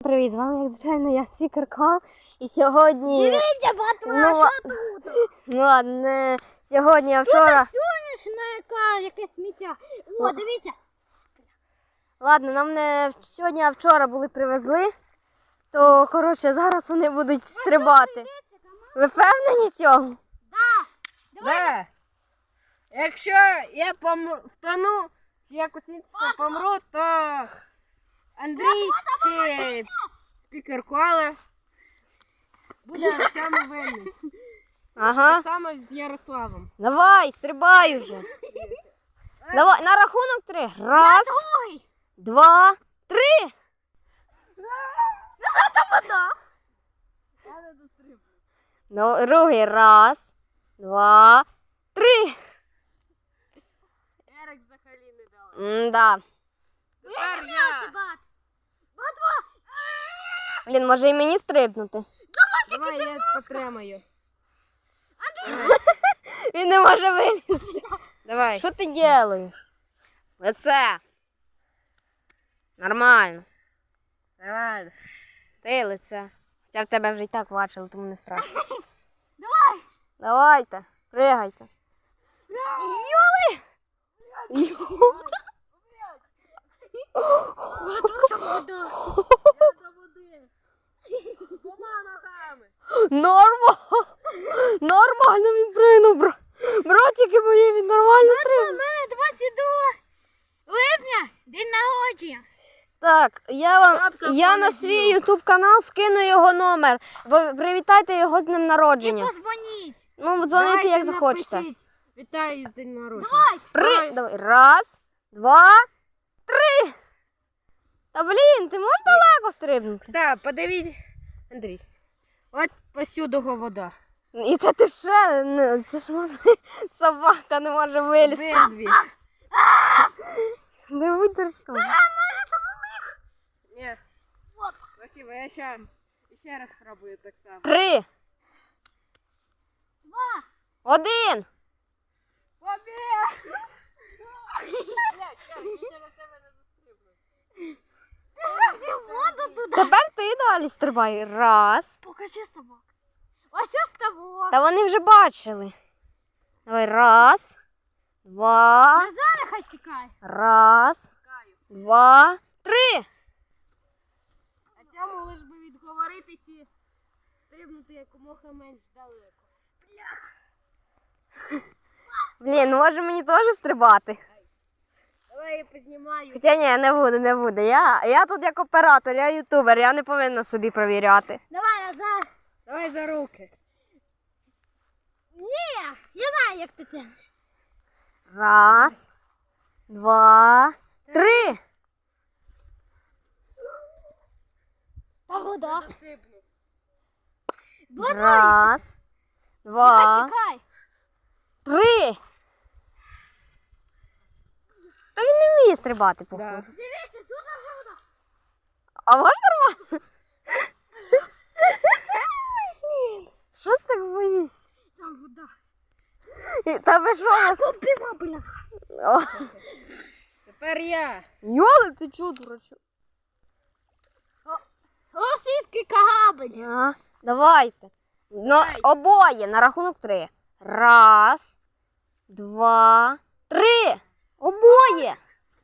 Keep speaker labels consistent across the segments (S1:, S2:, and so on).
S1: привіт! З вами, як звичайно, я спікерка. І сьогодні...
S2: Дивіться, батва, що тут?
S1: Ну ладно, сьогодні, а вчора...
S2: Тут соняшника, яке сміття. О, дивіться.
S1: Ладно, нам не сьогодні, а вчора були привезли. То, коротше, зараз вони будуть стрибати. Ви впевнені в цьому?
S2: Да.
S3: Якщо я втону, чи якось помру, то Андрій чи спікер Кола буде в цьому винний.
S1: Ага.
S3: Так само з Ярославом.
S1: Давай, стрибай уже. Давай, на рахунок 3. Раз,
S2: Другий.
S1: 2, 3.
S2: Це вода.
S3: Я не дострибну.
S1: Ну, другий. Раз, 2, 3.
S3: Ерик взагалі не дала.
S1: М-да.
S3: Тепер я.
S2: Батва.
S1: Блін, може і мені стрибнути?
S3: Давай я потримаю.
S1: Він не може вилізти.
S3: Давай.
S1: Що ти робиш? Лице. Нормально.
S3: Давай.
S1: Ти лице. Хоча в тебе вже і так бачили, тому не страшно.
S2: Давай.
S1: Давайте, пригайте. Йоли!
S2: Батва, це вода.
S3: Я до води. Двома ногами.
S1: Нормально він пригнув, братики мої, він нормально стрибнув.
S2: У мене 22 липня, день народження.
S1: Так, я на свій ютуб канал скину його номер. Ви привітайте його з днем
S2: І
S1: народження.
S2: позвоніть.
S1: Ну, дзвоните,
S3: Давайте
S1: як захочете.
S3: напишіть. Вітаю з день народження.
S2: Давай.
S1: Давай. Раз, 2, 3. Та блін, ти можеш далеко стрибнути?
S3: Так, подивіть, Андрій. От посюди вода.
S1: І це ти ще, це ж можна, собака не може вилізти.
S3: Обидві.
S1: Не будь дурачком.
S3: Ні. Спасибо, я ще раз спробую так само.
S1: 3,
S2: 2.
S1: 1.
S3: Побіг!
S2: Ти ж воду туди.
S1: Тепер ти далі стрибай. Раз.
S2: Покажи собак. Ось ось ставок.
S1: Та вони вже бачили. Давай, раз, 2,
S2: Назад хай тікає.
S1: раз, 2, 3.
S3: А цьому лиш би відговоритись і стрибнути якомога менш далеко.
S1: Блін, може мені теж стрибати?
S3: Давай я познімаю.
S1: Хоча ні, не буду. Я тут як оператор, я ютубер, я не повинна собі провіряти.
S2: Давай назад.
S3: Давай за руки.
S2: Ні, я знаю, як ти тягнеш.
S1: Раз, 2, 3.
S2: Та вода.
S3: Сипну.
S1: Раз, 2,
S2: Тікай.
S1: 3. Та він не вміє стрибати, походу.
S3: Да.
S2: Дивіться, тут вже вода.
S1: А можна нормально? Що ти так боїшся?
S2: Там вода.
S1: Та ви що?
S2: Купила, бля.
S1: О,
S3: Тепер я.
S1: Йоли, ти чого, дурачок?
S2: Російський кагабель.
S1: А, давайте. Ну, обоє на рахунок 3. Раз, 2, 3. Обоє.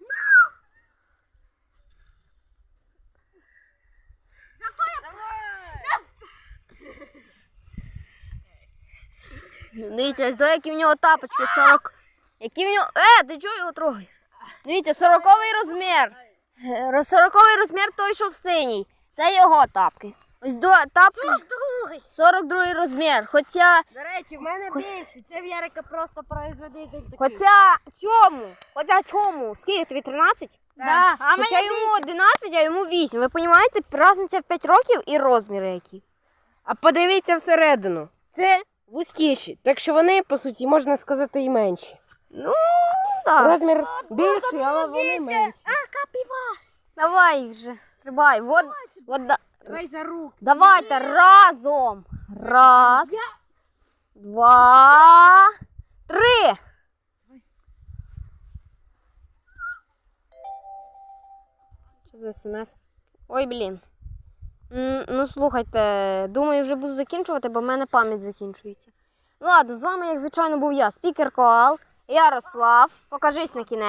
S1: Дивіться, ось до які в нього тапочки 40. Які в нього... ти чого його трогаєш? Дивіться, 40-й розмір. 40-й розмір той, що в синій. Це його тапки. Ось до тапки 42-й розмір. Хоча
S3: До речі, в мене більше. Це в Ярика просто производитель такий.
S1: Хоча цьому, скільки тобі 13?
S2: Да. А
S1: Хоча йому 11, а йому 8. Ви розумієте, різниця в 5 років і розміри які.
S3: А подивіться всередину. Це вузькіші. Так що вони, по суті, можна сказати, і менші.
S1: Ну, так.
S3: Розмір більший, але вони менші.
S2: Капіва.
S1: Давай вже, стрибай. Вода.
S3: Давай за руки.
S1: Давайте разом. Раз, 2, 3. Що за смс? Ой, блін. Ну, слухайте, думаю, вже буду закінчувати, бо в мене пам'ять закінчується. Ну, ладно, з вами, як звичайно, був я, спікер Коал, Ярослав. Покажись на кінець.